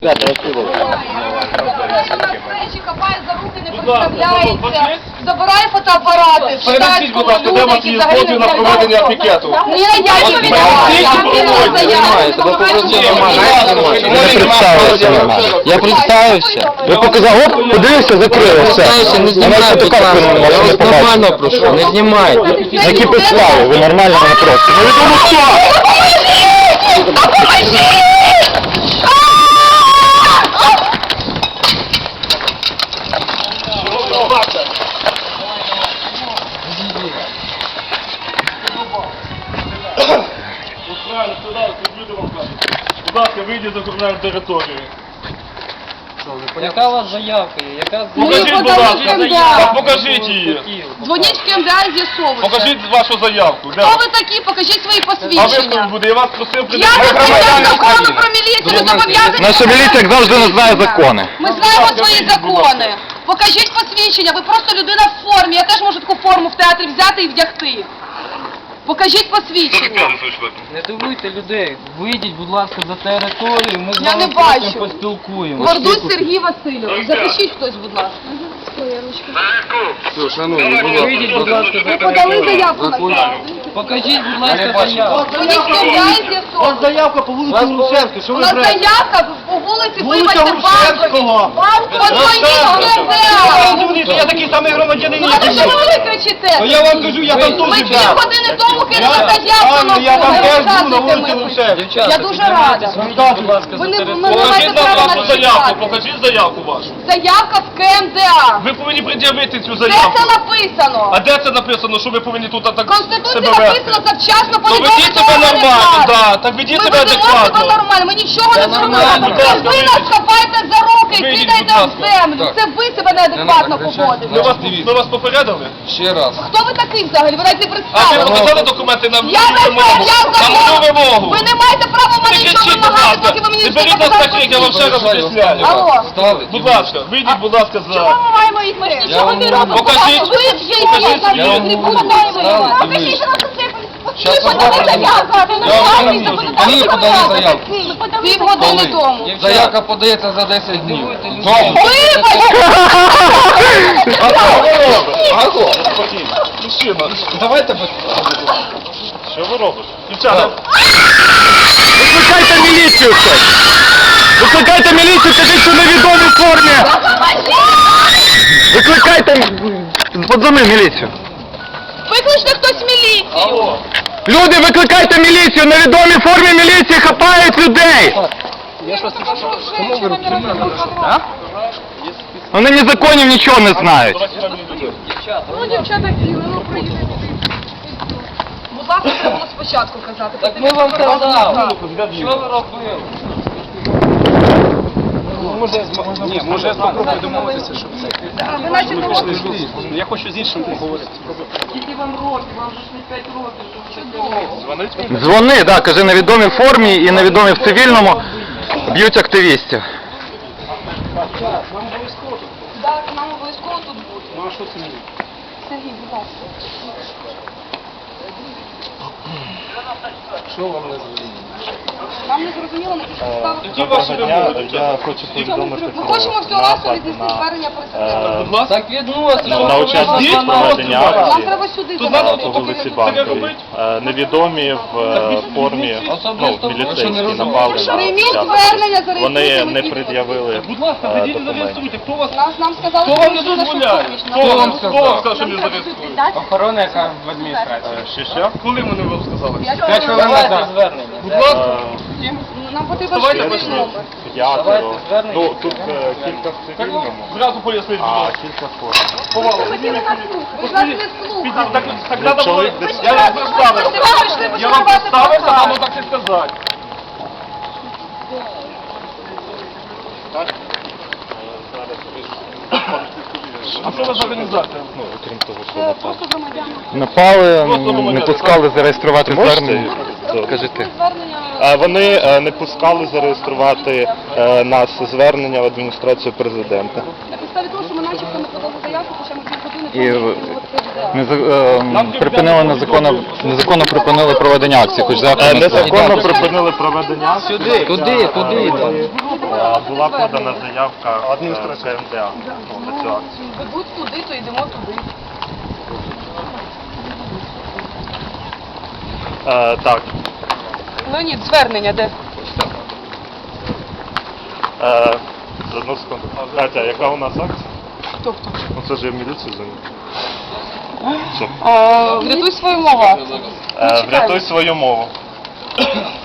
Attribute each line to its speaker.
Speaker 1: Хапає за руки, не представляється, забирає фотоапарати,
Speaker 2: Перенесіть, будь ласка, де у вас є дозвіл на проведення пікету?
Speaker 1: Ні, я не
Speaker 3: представився. Я представився. Ви показав, оп, подивився, закрили, все. Не знімайте, я вас нормально прошу, не знімайте. Які підстави? Ви нормально мене просите. Невідомо хто!
Speaker 2: Будь ласка, вийдіть за кримінальну територію.
Speaker 4: Яка у вас заявка є? Яка
Speaker 2: Покажіть, будь ласка, покажіть її.
Speaker 1: Дзвоніть в КМДА і з'ясовуйте.
Speaker 2: Покажіть вашу заявку.
Speaker 1: Хто ви такі? Покажіть свої
Speaker 2: А ви хто
Speaker 1: посвідчення.
Speaker 2: буде? Я вас просив
Speaker 1: Я не знаю закону про міліцію, ви зобов'язані.
Speaker 3: Наша міліція, як завжди, не знає закони.
Speaker 1: Ми знаємо свої закони. Покажіть посвідчення, ви просто людина в формі. Я теж можу таку форму в театрі взяти і вдягти. Покажіть посвідчення.
Speaker 4: Не дивуйте людей. Вийдіть, будь ласка, за територію, ми з
Speaker 1: Я
Speaker 4: вами
Speaker 1: не бачу.
Speaker 4: потім поспілкуємося.
Speaker 1: Гордусь Сергій Васильович. Запишіть хтось, будь ласка.
Speaker 4: Вийдіть, будь ласка, за
Speaker 1: Ви подали заявку на
Speaker 4: територію.
Speaker 1: це.
Speaker 4: Покажіть, будь ласка, заявку.
Speaker 1: Дзвоніть в КМДА і з'ясовуйте.
Speaker 5: Заявка по вулиці Грушевській, що
Speaker 1: У
Speaker 5: ви
Speaker 1: нас
Speaker 5: брете?
Speaker 1: заявка по вулиці,
Speaker 5: Вулиця
Speaker 1: вибачте,
Speaker 5: Грушевського.
Speaker 1: Подзвоніть в КМДА.
Speaker 5: Я такий самий громадянин,
Speaker 1: Ну,
Speaker 5: як
Speaker 1: а
Speaker 5: і
Speaker 1: що
Speaker 5: ви.
Speaker 1: ви кричите?
Speaker 5: Я вам кажу, я там
Speaker 1: Ми
Speaker 5: теж
Speaker 1: 2
Speaker 5: був.
Speaker 1: години тому кинули заявку на
Speaker 5: Я там теж був на
Speaker 1: розказуйте
Speaker 5: вулиці
Speaker 1: мені.
Speaker 5: Грушевській.
Speaker 1: Я дуже рада.
Speaker 4: Будь ласка,
Speaker 1: Ви не
Speaker 4: за
Speaker 1: маєте
Speaker 2: Покажіть нам
Speaker 1: права
Speaker 2: вашу
Speaker 1: нас
Speaker 2: заявку,
Speaker 1: чіпати.
Speaker 2: покажіть заявку вашу.
Speaker 1: Заявка в КМДА.
Speaker 2: Ви повинні пред'явити цю
Speaker 1: Де
Speaker 2: заявку.
Speaker 1: це написано?
Speaker 2: А де це написано, що ви повинні тут так
Speaker 1: В Конституції
Speaker 2: себе вести?
Speaker 1: написано завчасно
Speaker 2: То
Speaker 1: повідомити
Speaker 2: ведіть себе
Speaker 1: органи
Speaker 2: нормально,
Speaker 1: влади.
Speaker 2: да, так ведіть
Speaker 1: Ми
Speaker 2: себе
Speaker 1: ведемо себе
Speaker 2: адекватно.
Speaker 1: нормально, ми нічого не зробили.
Speaker 4: нормально, будь
Speaker 2: ласка,
Speaker 1: Це ви нас
Speaker 2: вийдіть.
Speaker 1: хапаєте за руки і
Speaker 2: Вийдіть,
Speaker 1: кидаєте
Speaker 2: будь
Speaker 1: в
Speaker 2: ласка.
Speaker 1: землю. Це ви себе неадекватно поводите.
Speaker 2: Ми вас попередили?
Speaker 4: Ще раз.
Speaker 1: Хто ви такий взагалі? Ви навіть не
Speaker 2: А ви
Speaker 1: представили.
Speaker 2: написали документи на
Speaker 1: Я
Speaker 2: мою
Speaker 1: не
Speaker 2: вимогу?
Speaker 1: я
Speaker 2: На мою
Speaker 1: закон.
Speaker 2: вимогу.
Speaker 1: Ви не маєте права в мене
Speaker 2: Не
Speaker 1: нічого
Speaker 2: кричіть, будь
Speaker 1: вимагати,
Speaker 2: ласка.
Speaker 1: поки ви мені
Speaker 2: Не
Speaker 1: не
Speaker 2: беріть нас
Speaker 1: показали
Speaker 2: таких, я вам ще раз
Speaker 1: посвідчення.
Speaker 2: об'ясняю.
Speaker 1: Алло.
Speaker 2: Будь ласка, вийдіть, будь ласка,
Speaker 1: Чому
Speaker 2: за...
Speaker 1: ми маємо їх? Ми ж нічого не робимо.
Speaker 2: Покажіть.
Speaker 1: Ви вже
Speaker 2: Покажіть.
Speaker 1: є на трибуну. Покажіть, що нас це. Ви подали заявку.
Speaker 4: Вони подали заявку.
Speaker 1: Півгодини тому.
Speaker 4: Заявка подається за 10 днів.
Speaker 2: Мужчина,
Speaker 4: Давайте
Speaker 2: що ви робите? Дівчата,
Speaker 3: Викликайте міліцію хтось! Викликайте міліцію, кажіть, що невідомі в формі! Викликайте... Подзвони міліцію.
Speaker 1: Викличте хтось міліцію.
Speaker 2: алло.
Speaker 3: Люди, викликайте міліцію! Невідомі в формі міліції хапають людей! Вони ні законів нічого не знають.
Speaker 1: Ну, дівчата, ну, приїдете. Будь ласка, це було спочатку казати.
Speaker 4: Так ми вам казали. Що ви робили?
Speaker 5: Може я спробую домовитися, щоб це.
Speaker 1: Ви наче не робите.
Speaker 5: Я хочу з іншим поговорити.
Speaker 1: Скільки вам років? Вам же ж не 5 років. Чудово.
Speaker 3: Дзвони, да, кажи, невідомі в формі і невідомі в цивільному б'ють активістів.
Speaker 1: Так, нам обов'язково тут бути.
Speaker 5: Ну а що це мені?
Speaker 1: Сергій, будь ласка.
Speaker 5: Що вам не зрозуміло?
Speaker 1: Нам не зрозуміло, на яких підставах.
Speaker 2: Які ваші вимоги?
Speaker 6: Я хочу повідомити
Speaker 1: Ми
Speaker 6: про
Speaker 1: хочемо всього разу
Speaker 6: напад
Speaker 1: віднести
Speaker 6: на,
Speaker 1: звернення президента.
Speaker 2: Будь ласка.
Speaker 4: Так відносимо.
Speaker 6: на учасників проведення
Speaker 1: Нам
Speaker 6: акції
Speaker 1: треба сюди
Speaker 2: Тут
Speaker 1: забрати.
Speaker 2: надо
Speaker 6: по вулиці Банковій. Невідомі в формі, міліцейські напали на
Speaker 1: Прийміть
Speaker 6: учасників.
Speaker 1: звернення, зареєструйте.
Speaker 6: Вони не
Speaker 1: ми
Speaker 6: пред'явили
Speaker 2: Будь ласка, ведіть і
Speaker 6: документів.
Speaker 2: зареєструйте. Хто вас...
Speaker 1: Нам сказали,
Speaker 2: Хто вам не
Speaker 1: що ви
Speaker 2: дозволяє?
Speaker 1: що
Speaker 2: Хто вам сказав, що не зареєструє?
Speaker 4: Охорона, яка в адміністрації.
Speaker 6: Що?
Speaker 2: Коли вони вам сказали?
Speaker 4: Давайте звернення.
Speaker 2: Будь ласка.
Speaker 1: Нам потрібен
Speaker 2: Давайте
Speaker 1: швидкий
Speaker 2: почнемо.
Speaker 1: номер.
Speaker 6: П'ятеро.
Speaker 4: звернення.
Speaker 6: Ну, тут кілька в цивільному,
Speaker 2: Зразу поясніть, будь
Speaker 6: а
Speaker 2: ласка.
Speaker 6: кілька в формі.
Speaker 2: Повали.
Speaker 1: Ви ж нас не слухали.
Speaker 2: Так треба було...
Speaker 6: чоловік десь-
Speaker 2: Я вам представився. Я вам представився, треба так і сказати. А що ви за організація?
Speaker 6: Ну, окрім того, що напали.
Speaker 1: Просто громадяни.
Speaker 3: Напали, не пускали зареєструвати
Speaker 6: Можете?
Speaker 3: звернення.
Speaker 6: Добре.
Speaker 3: Кажи ти.
Speaker 1: Звернення.
Speaker 6: Вони не пускали зареєструвати нас звернення в адміністрацію президента.
Speaker 1: На підставі того, що ми начебто не подали заявку, хоча ми півгодини
Speaker 3: І
Speaker 1: тому відвідували президента.
Speaker 3: припинили незаконно припинили проведення акції, хоч завтра
Speaker 6: Незаконно припинили проведення.
Speaker 4: Туди.
Speaker 6: Була подана заявка КМДА на цю акцію.
Speaker 1: Ведуть туди, то йдемо туди.
Speaker 6: Так.
Speaker 1: Леонід, звернення де?
Speaker 6: Одну секунду. Катя, яка у нас акція?
Speaker 1: Хто?
Speaker 6: Ну це ж я в міліцію дзвоню. Що?
Speaker 1: Врятуй свою мову.
Speaker 6: Врятуй свою мову.